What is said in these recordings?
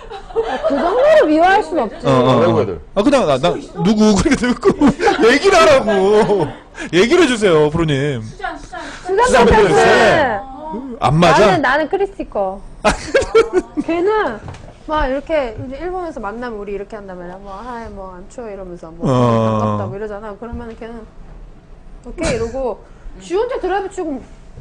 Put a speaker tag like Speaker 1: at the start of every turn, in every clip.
Speaker 1: 그 정도로 미워할 순 없지.
Speaker 2: 외국 애들.
Speaker 3: 아 그냥 나 누구 그렇게 듣고 얘기를 하라고. 얘기를 해주세요, 프로님.
Speaker 1: 수잔 패트리스.
Speaker 3: 안 맞아?
Speaker 1: 나는 크리스티커. 걔는 막 이렇게 이제 일본에서 만나면 우리 이렇게 한다면 뭐 하이 뭐 안 추워 이러면서 뭐 반갑다 뭐 이러잖아. 그러면 걔는 오케이 이러고 지 혼자 드라이브 치고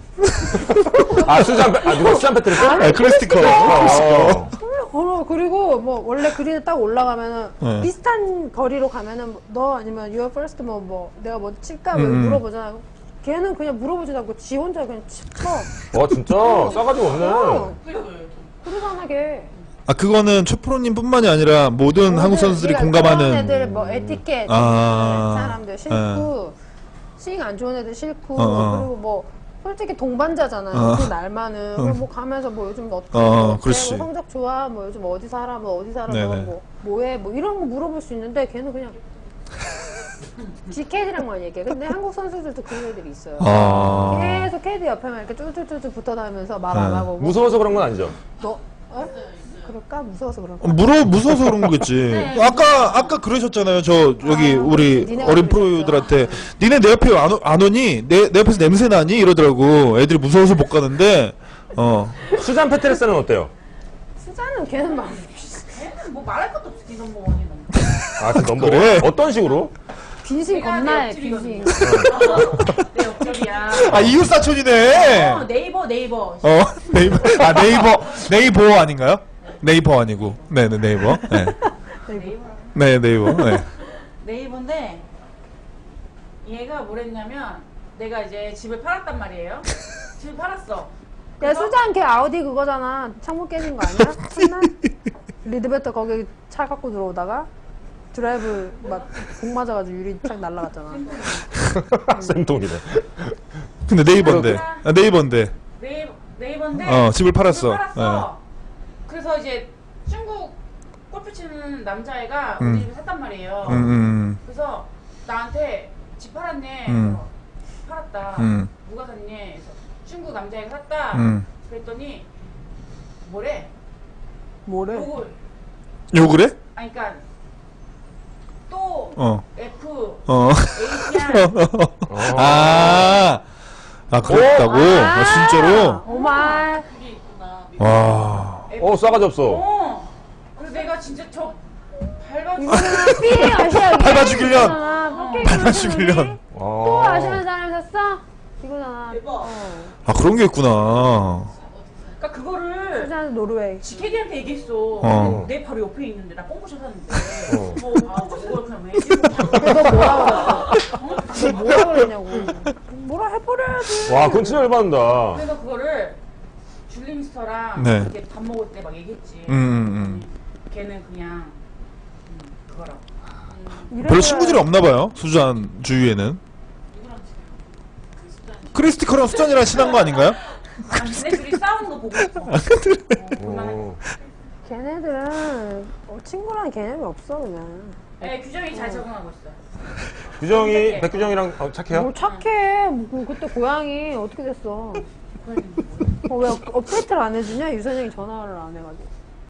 Speaker 2: 누가 수잔 패트리스?
Speaker 3: 크리스티커.
Speaker 1: 걸어. 그리고 뭐 원래 그린에 딱 올라가면은 비슷한 거리로 가면은 너 아니면 your first 뭐 내가 뭐 칠까 뭐 물어보잖아. 걔는 그냥 물어보지도 않고 지 혼자 그냥 쳐.
Speaker 2: 와 진짜 싸가지 없네.
Speaker 1: 그러잖아 걔.
Speaker 3: 아 그거는 최 프로님뿐만이 아니라 모든 한국 선수들이 공감하는.
Speaker 1: 그런 애들 뭐 에티켓 사람들 싫고 스윙 안 좋은 애들 싫고 그리고 뭐 솔직히 동반자잖아요. 그 날만은 그럼 뭐 가면서 뭐 요즘 어떻게 뭐 성적 좋아 뭐 요즘 어디 살아 뭐 어디 살아 뭐 뭐해 뭐 이런 거 물어볼 수 있는데 걔는 그냥 GK들랑만 얘기해. 근데 한국 선수들도 그런 애들이 있어요. 계속 캐디 옆에만 이렇게 쭈쭈쭈쭈 붙어 다니면서 말 안 하고.
Speaker 2: 무서워서 그런 건 아니죠?
Speaker 1: 너? 그럴까? 무서워서 그런가?
Speaker 3: 무서워서 그런 거겠지. 아까 그러셨잖아요. 저 여기 우리 어린 프로들한테 니네 내 옆에 안 오니? 내 옆에서 냄새 나니? 이러더라고. 애들이 무서워서 못 가는데.
Speaker 2: 수잔 패트리스는 어때요?
Speaker 1: 수잔은 걔는 막
Speaker 4: 걔는 뭐 말할 것도 없어. 네 넘버원이 넘버.
Speaker 2: 아, 그 넘버
Speaker 3: 그래?
Speaker 2: 어떤 식으로?
Speaker 1: 빈신 겁나해. 빈신.
Speaker 4: 내 옆집이야.
Speaker 3: 아 이웃 사촌이네.
Speaker 4: 네이버.
Speaker 3: 네이버. 아 네이버 아닌가요? 네이버 아니고. 네네 네이버. 네. 네 네이버. 네.
Speaker 4: 네이버인데 얘가 뭐랬냐면 내가 이제 집을 팔았단 말이에요. 집을 팔았어.
Speaker 1: 야 수잔 걔 아우디 그거잖아. 창문 깨진 거 아니야? 참나? 리드베터 거기 차 갖고 들어오다가 드라이브 막 공 맞아가지고 유리창 날라갔잖아.
Speaker 2: 쌤통이네.
Speaker 3: 근데 네이버인데. 네이버인데.
Speaker 4: 네이버인데.
Speaker 3: 집을 팔았어.
Speaker 4: 집을 팔았어. 그래서 이제 중국 골프 치는 남자애가 우리 집에 샀단 말이에요. 그래서 나한테 집 팔았네. 팔았다. 누가 샀니? 그래서 중국 남자애가 샀다. 그랬더니 뭐래?
Speaker 3: 욕을 해?
Speaker 4: 아니 그니까 또 F H야.
Speaker 3: 그랬다고? 진짜로?
Speaker 1: 오마.
Speaker 3: 와.
Speaker 2: 싸가지 없어.
Speaker 4: 그래서 내가 진짜 저 밟아주고
Speaker 1: 삐 아시아.
Speaker 3: 밟아 죽이려는.
Speaker 1: 또 아시는 사람이 샀어? 이거잖아.
Speaker 3: 그런 게 있구나.
Speaker 4: 그러니까 그거를
Speaker 1: 수잔 노르웨이.
Speaker 4: GKD한테 얘기했어. 내 바로 옆에 있는데 나 뽕구셔 샀는데 그걸 그냥 왜
Speaker 1: 너 뭐라 그랬어? 너 뭐라 그랬냐고. 뭐라 해버려야지.
Speaker 2: 와, 그건 진짜 열받는다.
Speaker 4: 그래서 그거를 줄리미스터랑 이렇게 밥 먹을 때 막 얘기했지. 걔는 그냥 그거라고.
Speaker 3: 별로 친구들이 없나 봐요. 수잔 주위에는. 크리스티커랑 수잔이랑 친한 거 아닌가요?
Speaker 4: 걔네 둘이 싸우는 거 보고 싶어.
Speaker 1: 걔네들은 친구랑 개념이 없어 그냥.
Speaker 4: 네, 규정이 잘 적응하고 있어.
Speaker 2: 규정이 백규정이랑 착해요?
Speaker 1: 뭘 착해. 그때 고양이 어떻게 됐어? 왜 업데이트를 안 해주냐? 유선영이 전화를 안 해가지고.